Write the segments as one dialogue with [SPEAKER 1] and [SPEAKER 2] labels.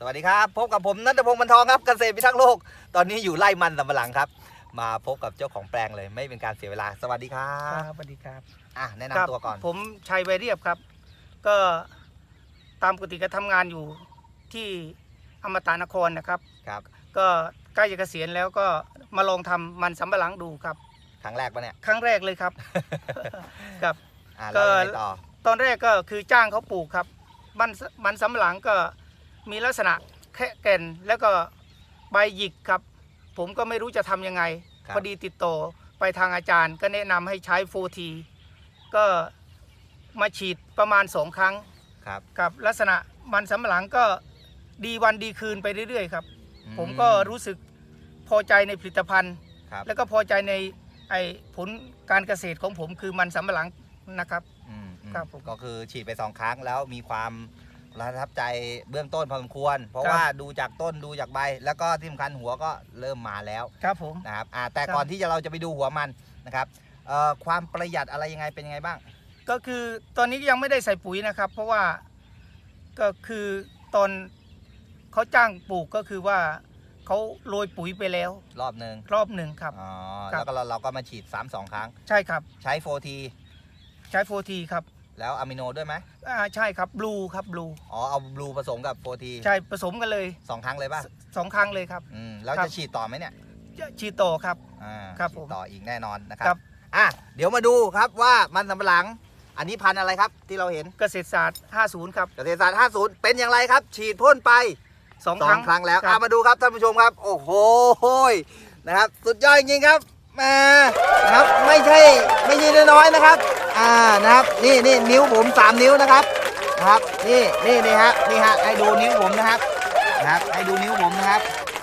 [SPEAKER 1] วัสดีครับพบกับผมณัฐพงศ์บรรทองครับเกษตรพิทักษ์โลกตอนนี้อยู่ไร่มันสำปะหลังครับมาพบกับเจ้าของแปลงเลยไม่เป็นการเสียเวลาสวัสดีครับ
[SPEAKER 2] สวัสดีครับ
[SPEAKER 1] แนะนำตัวก่อน
[SPEAKER 2] ผมชัยไวเรียบครับก็ตามปกติก็ทำงานอยู่ที่อมตะนครนะครับก็ใกล้จะเกษียณแล้วก็มาลองทำมันสำปะหลังดูครับ
[SPEAKER 1] ครั้งแรกปะเนี่ย
[SPEAKER 2] ครั้งแรกเลยครับครับ
[SPEAKER 1] ก็
[SPEAKER 2] ตอนแรกก็คือจ้างเขาปลูกครับมันสำปะหลังก็มีลักษณะแค่แก่นแล้วก็ใบหยิกครับผมก็ไม่รู้จะทำยังไงพอดีติดต่อไปทางอาจารย์ก็แนะนำให้ใช้4T ก็มาฉีดประมาณ2 ครั้งกับลักษณะมันสำปะหลังก็ดีวันดีคืนไปเรื่อยๆครับผมก็รู้สึกพอใจในผลิตภัณฑ์แล้วก็พอใจในผลการเกษตรของผมคือมันสำปะหลังนะครับ
[SPEAKER 1] ครับผมก็คือฉีดไป2 ครั้งแล้วมีความประทับใจเบื้องต้นพอสมควรเพราะว่าดูจากต้นดูจากใบแล้วก็ที่สำคัญหัวก็เริ่มมาแล้ว
[SPEAKER 2] ครับผม
[SPEAKER 1] นะครับแต่ก่อนที่เราจะไปดูหัวมันนะครับความประหยัดอะไรยังไงเป็นยังไงบ้าง
[SPEAKER 2] ก็คือตอนนี้ยังไม่ได้ใส่ปุ๋ยนะครับเพราะว่าก็คือตอนเขาจ้างปลูกก็คือว่าเขาโรยปุ๋ยไปแล้ว
[SPEAKER 1] รอบหนึ่ง
[SPEAKER 2] ครับ
[SPEAKER 1] แล้วก็เราก็มาฉีด2 ครั้ง
[SPEAKER 2] ใช่ครับ
[SPEAKER 1] ใช้ 4T
[SPEAKER 2] ครับ
[SPEAKER 1] แล้วอะมิโนด้วยไหม
[SPEAKER 2] ใช่ครับบลูครับบลู
[SPEAKER 1] เอาบลูผสมกับ 4T
[SPEAKER 2] ใช่ผสมกันเลย
[SPEAKER 1] 2 ครั้งเลยป่ะ
[SPEAKER 2] 2 ครั้งเลยครับ
[SPEAKER 1] แล้วจะฉีดต่อไหมเนี่ย
[SPEAKER 2] ฉีดต่อครับ
[SPEAKER 1] ครับผมต่ออีกแน่นอนนะครับเดี๋ยวมาดูครับว่ามันสำปะหลังอันนี้พันธุ์อะไรครับที่เราเห็น
[SPEAKER 2] เกษตรศาสตร์50ครับ
[SPEAKER 1] เกษตรศาสตร์50เป็นอย่างไรครับฉีดพ่นไป2 ครั้งแล้วมาดูครับท่านผู้ชมครับโอ้โหนะครับสุดยอดจริงๆครับนะครับไม่ใช่น้อยๆนะครับนะครับนี่นิ้วผม3 นิ้วนะครับนี่ฮะให้ดูนิ้วผมนะครับให้ดูนิ้วผมนะครับ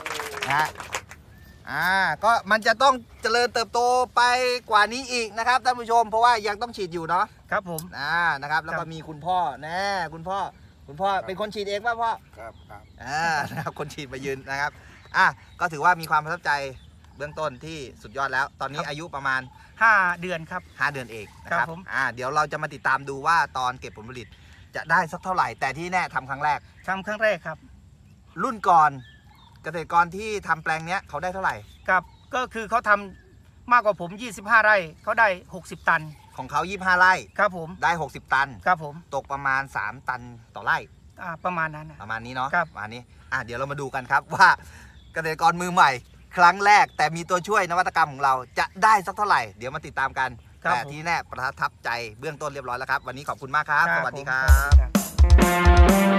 [SPEAKER 1] ก็มันจะต้องเจริญเติบโตไปกว่านี้อีกนะครับท่านผู้ชมเพราะว่ายังต้องฉีดอยู่เนาะ
[SPEAKER 2] ครับผม
[SPEAKER 1] นะครับแล้วก็มีคุณพ่อคุณพ่อเป็นคนฉีดเองป่ะพ่อ
[SPEAKER 3] ครับ
[SPEAKER 1] นะครับคนฉีดมายืนนะครับก็ถือว่ามีความประทับใจเบื้องต้นที่สุดยอดแล้วตอนนี้อายุประมาณ
[SPEAKER 2] 5 เดือนครับ
[SPEAKER 1] 5 เดือนเองนะครับเดี๋ยวเราจะมาติดตามดูว่าตอนเก็บผลผลิตจะได้สักเท่าไหร่แต่ที่แน่ทำครั้งแรก
[SPEAKER 2] ครับ
[SPEAKER 1] รุ่นก่อนเกษตรกรที่ทำแปลงเนี้ยเขาได้เท่าไหร่
[SPEAKER 2] ครับก็คือเขาทำมากกว่าผม25 ไร่เขาได้60 ตัน
[SPEAKER 1] ของเขา25 ไร่
[SPEAKER 2] ครับผม
[SPEAKER 1] ได้60 ตัน
[SPEAKER 2] ครับผม
[SPEAKER 1] ตกประมาณ3 ตันต่อไร่
[SPEAKER 2] ประมาณนั้น
[SPEAKER 1] ประมาณนี้เนาะ
[SPEAKER 2] ครับ
[SPEAKER 1] ประมาณนี้เดี๋ยวเรามาดูกันครับว่าเกษตรกรมือใหม่ครั้งแรกแต่มีตัวช่วยนวัตกรรมของเราจะได้สักเท่าไหร่เดี๋ยวมาติดตามกันแต่ที่แน่ประทับใจเบื้องต้นเรียบร้อยแล้วครับวันนี้ขอบคุณมากครับสวัสดีครับ